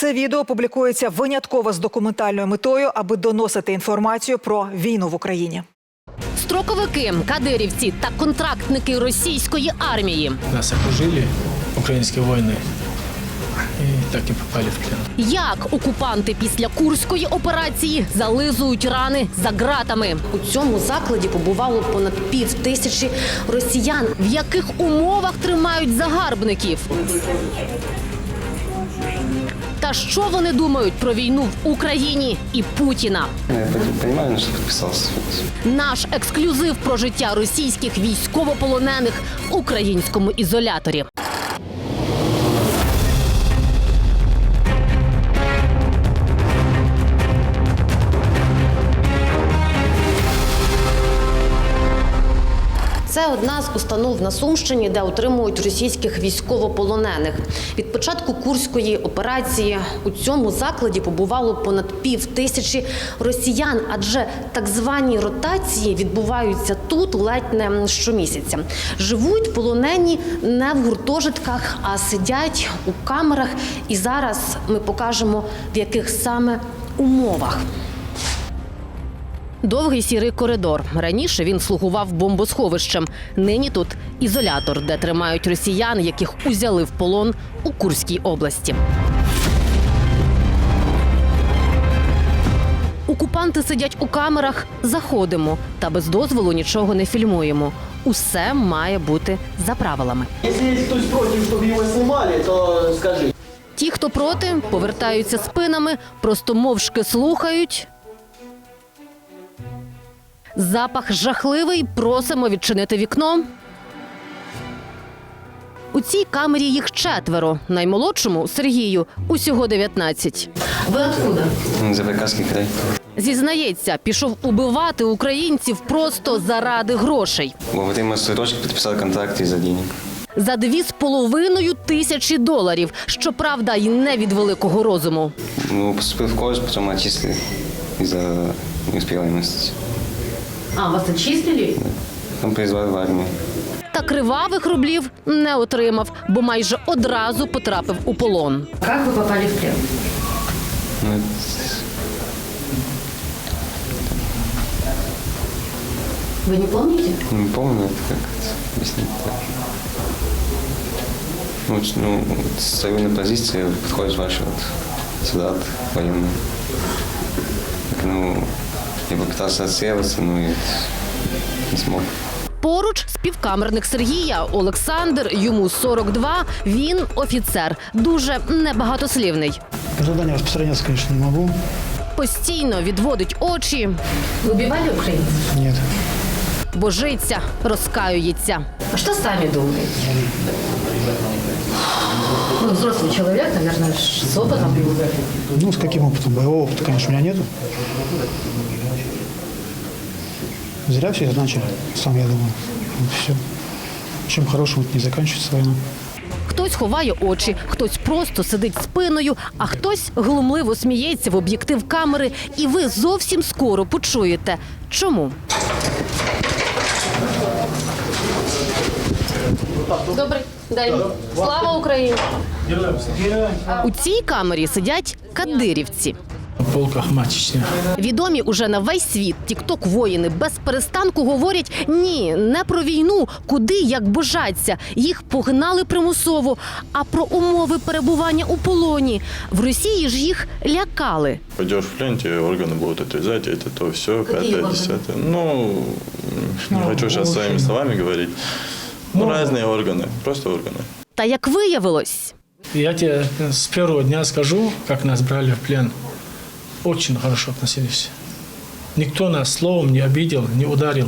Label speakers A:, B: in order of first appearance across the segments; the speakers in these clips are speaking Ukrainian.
A: Це відео публікується винятково з документальною метою, аби доносити інформацію про війну в Україні.
B: Строковики, кадирівці та контрактники російської армії.
C: Нас окружили українські воїни і так і попали в плен.
B: Як окупанти після Курської операції зализують рани за ґратами. У цьому закладі побувало понад 5000 росіян. В яких умовах тримають загарбників? Та що вони думають про війну в Україні і Путіна?
D: Я розумію, на що підписався.
B: Наш ексклюзив про життя російських військовополонених в українському ізоляторі. Це одна з установ на Сумщині, де утримують російських військовополонених. Від початку Курської операції у цьому закладі побувало понад 5000 росіян, адже так звані ротації відбуваються тут ледь не щомісяця. Живуть полонені не в гуртожитках, а сидять у камерах. І зараз ми покажемо, в яких саме умовах. Довгий сірий коридор. Раніше він слугував бомбосховищем. Нині тут ізолятор, де тримають росіян, яких узяли в полон у Курській області. Окупанти сидять у камерах, заходимо, та без дозволу нічого не фільмуємо. Усе має бути за правилами.
E: Якщо є хтось проти, щоб його знімали, то скажи.
B: Ті, хто проти, повертаються спинами, просто мовчки слухають. Запах жахливий, просимо відчинити вікно. У цій камері їх 4. Наймолодшому, Сергію, усього 19. Ви откуда?
D: Забайкальський край.
B: Зізнається, пішов убивати українців просто заради грошей.
D: Во время срочки підписав контракт із-за денег.
B: За $2500 доларів. Щоправда, й не від великого розуму.
D: Ну, поступив в коледж, потім отчислили із-за неуспіваємості.
B: А, вас отчислили?
D: Там призвали в армію.
B: Та кривавих рублів не отримав, бо майже одразу потрапив у полон.
F: Как вы попали в плен?
D: Ну,
F: Вы не помните?
D: не помню, как это объяснить. Ну, стою на позиции, подходит ваш солдат военный. Так, ну, я попытался отсеиваться, но не смог.
B: Поруч співкамерник Сергія Олександр, йому 42, він офіцер, дуже небагатослівний.
G: Задание распространяться, конечно, не могу.
B: Постійно відводить очі,
F: Вы убивали украинцев?
G: Нет.
B: божиться, розкаюється.
F: А что сами думаете? Ну, взрослый человек, наверное, с опытом.
G: Ну, с каким опытом? Боевого опыта, конечно, у меня нету. Зря все это начали, сам я думаю. Вот все. Чем хорошим не заканчивается война.
B: Хтось ховає очі, хтось просто сидить спиною, а хтось глумливо сміється в об'єктив камери. І ви зовсім скоро почуєте, чому. Добрий день. Слава Україні! У цій камері сидять кадирівці.
C: В полках матчі.
B: Відомі уже на весь світ тік-ток-воїни без перестанку говорять «ні, не про війну, куди, як божаться». Їх погнали примусово, а про умови перебування у полоні. В Росії ж їх лякали.
H: Пойдешь в плен, тебе органы будут отрезать, это то, все, пятое, десятое. Ну, не хочу сейчас своими словами говорить. Ну, разные органы, просто органы.
B: Та як виявилось,
C: Я тебе с первого дня скажу, как нас брали в плен. Очень хорошо относились. Никто нас словом не обидел, не ударил.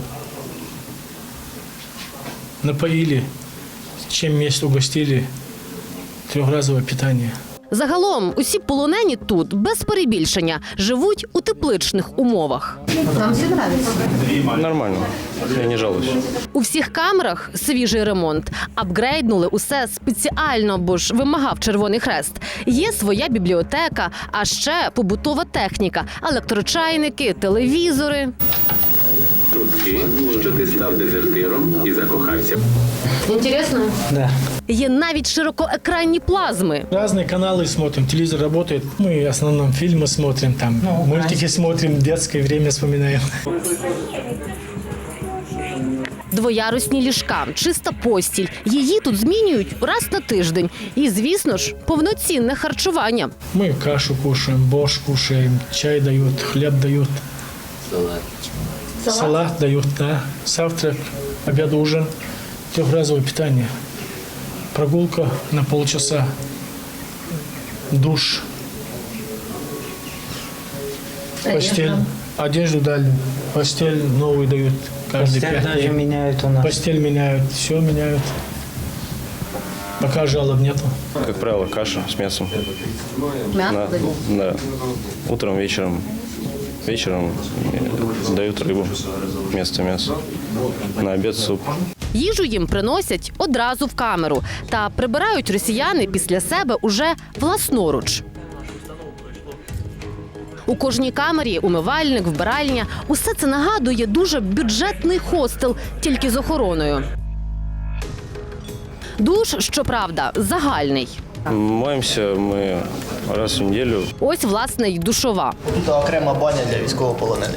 C: Напоили, чем месть угостили, 3-разовое питание.
B: загалом усі полонені тут, без перебільшення, живуть у тепличних умовах.
F: Вам все нравится?
D: Нормально, я не жалуюсь.
B: У всіх камерах свіжий ремонт. Апгрейднули усе спеціально, бо ж вимагав Червоний Хрест. Є своя бібліотека, а ще побутова техніка, електрочайники, телевізори.
I: Чутки, що ти став дезертиром і закохався.
F: Интересно?
C: Да.
B: Є навіть широкоекранні плазми.
C: Разные каналы смотрим, телевизор работает. Мы в основном фильмы смотрим, там мультики смотрим, детское время вспоминаем.
B: Двоярусні ліжка, чиста постіль. Її тут змінюють раз на тиждень. І, звісно ж, повноцінне харчування.
C: Мы кашу кушаем, борщ кушаем, чай дают, хлеб дают. Салат дают, да. Завтрак, обед, ужин, трехразовое питание. Прогулка на полчаса, душ, постель, одежду дали, постель новую дают каждые 5 дней.
I: меняют у нас.
C: Постель меняют, все меняют. Пока жалоб нету.
D: Как правило, каша с мясом.
B: М'ясо дають.
D: Да. Утром, вечером. Вечером дают рыбу вместо мяса. На обед суп.
B: Їжу їм приносять одразу в камеру. Та прибирають росіяни після себе уже власноруч. У кожній камері умивальник, вбиральня. Усе це нагадує дуже бюджетний хостел, тільки з охороною. Душ, щоправда, загальний.
D: Моемся мы раз в неделю.
B: Ось, власне, й душова.
E: Тут окрема баня для військовополонених.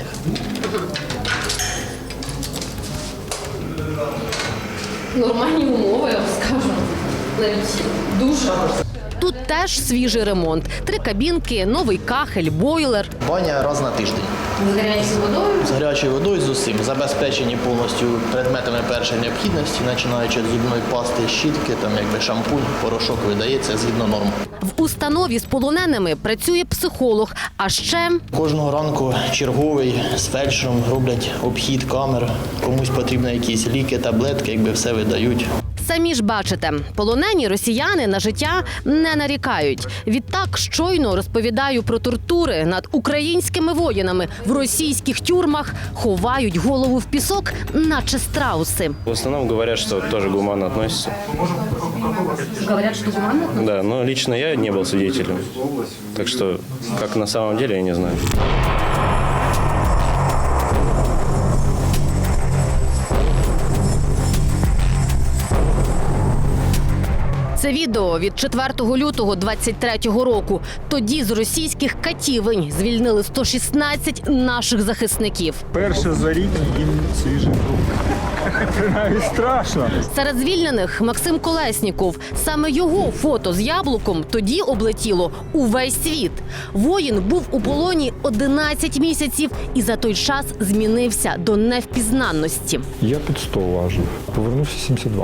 B: Нормальні умови, я вам скажу. Навіть дуже. Тут теж свіжий ремонт. 3 кабінки, новий кахель, бойлер.
E: Баня раз на тиждень.
F: З гарячою водою?
E: З гарячою водою, з усім. Забезпечені повністю предметами першої необхідності, починаючи з зубної пасти, щітки, там якби шампунь, порошок видається згідно норм.
B: В установі з полоненими працює психолог, а ще
E: Кожного ранку черговий з фельдшером роблять обхід камер. Комусь потрібні якісь ліки, таблетки, якби все видають.
B: самі ж бачите, полонені росіяни на життя не нарікають. Відтак щойно розповідаю про тортури над українськими воїнами в російських тюрмах, ховають голову в пісок, наче страуси.
D: В основном говорят, что тоже гуманно относятся.
F: Говорят, что гуманно?
D: Да, но лично я не был свидетелем. Так что, как на самом деле, я не знаю.
B: Це відео від 4 лютого 23-го року. Тоді з російських катівень звільнили 116 наших захисників.
J: Перше за рік їм свіжий друг. Навіть страшно.
B: Серед звільнених Максим Колесніков. Саме його фото з яблуком тоді облетіло увесь світ. Воїн був у полоні 11 місяців і за той час змінився до невпізнанності.
J: Я під 100 важив. Повернувся 72.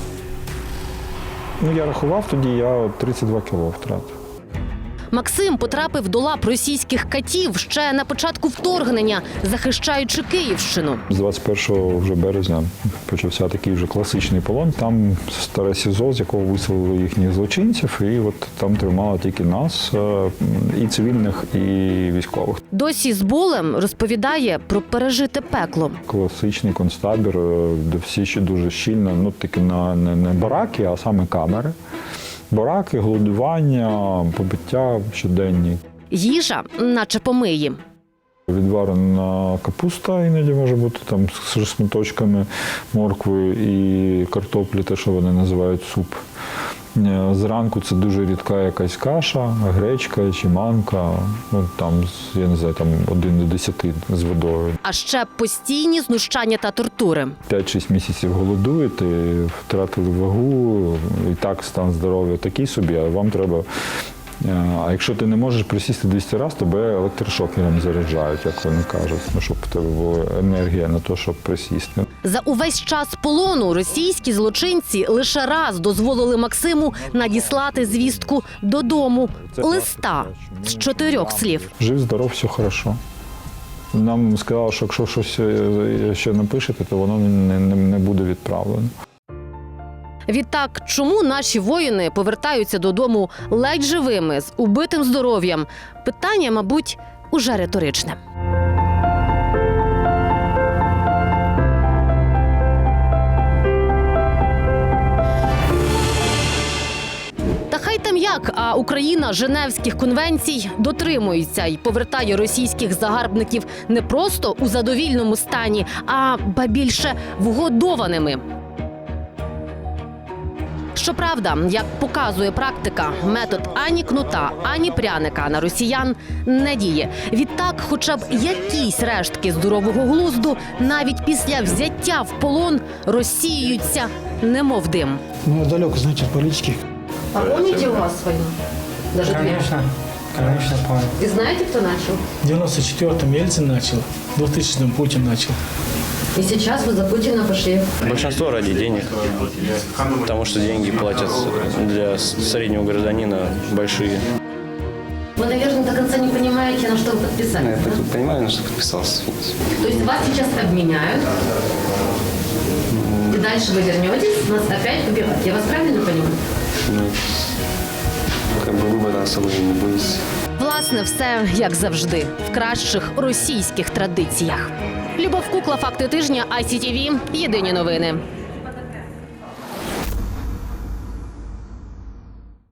J: Я рахував тоді, я 32 кіло втратив.
B: Максим потрапив до лап російських катів ще на початку вторгнення, захищаючи Київщину.
J: З 21 вже березня почався такий вже класичний полон. Там старе СІЗО, з якого виселили їхніх злочинців, і от там тримали тільки нас, і цивільних, і військових.
B: Досі з болем розповідає про пережите пекло.
J: Класичний концтабір, де всі ще дуже щільно, таки не бараки, а саме камери. Бараки, голодування, побиття щоденні.
B: Їжа, наче помиї.
J: Відварена капуста іноді може бути там з шматочками моркви і картоплі, те, що вони називають суп. Зранку це дуже рідка якась каша, гречка чи манка, там, я не знаю, там 1 до 10 з водою.
B: А ще постійні знущання та тортури.
J: 5-6 місяців голодуєте, втратили вагу, і так стан здоров'я такий собі, а вам треба. А якщо ти не можеш присісти 200 разів, тебе електрошокером заряджають, як вони кажуть, щоб в тебе була енергія на те, щоб присісти.
B: За увесь час полону російські злочинці лише раз дозволили Максиму надіслати звістку додому. Листа з 4 слів.
J: Жив, здоров, все хорошо. Нам сказали, що якщо щось ще напишете, то воно не буде відправлено.
B: Відтак, чому наші воїни повертаються додому ледь живими, з убитим здоров'ям? Питання, мабуть, уже риторичне. Та хай там як, а Україна Женевських конвенцій дотримується і повертає російських загарбників не просто у задовільному стані, а ба більше вгодованими. Щоправда, як показує практика, метод ані кнута, ані пряника на росіян не діє. Відтак, хоча б якісь рештки здорового глузду навіть після взяття в полон розсіюються, немов дим.
G: Ну, я далеко, знаете, от политики.
B: А помните у вас войну? Даже
I: Конечно, помню.
B: И знаете, кто начал?
C: В 94-м Ельцин начал, в 2000-м Путин начал.
B: И сейчас вы за Путина пошли.
D: Большинство ради денег, потому что деньги платят для среднего гражданина большие.
B: Вы, наверное, до конца не понимаете, на что вы подписались.
D: Я
B: да?
D: понимаю, на что подписался.
B: То есть вас сейчас обменяют, и дальше вы вернетесь, нас опять убивать. Я вас правильно понимаю?
D: Ну, как бы выбора особо и не будет.
B: Власне, все як завжди, в кращих російських традиціях. Любов Кукла, факти тижня, ICTV, єдині новини.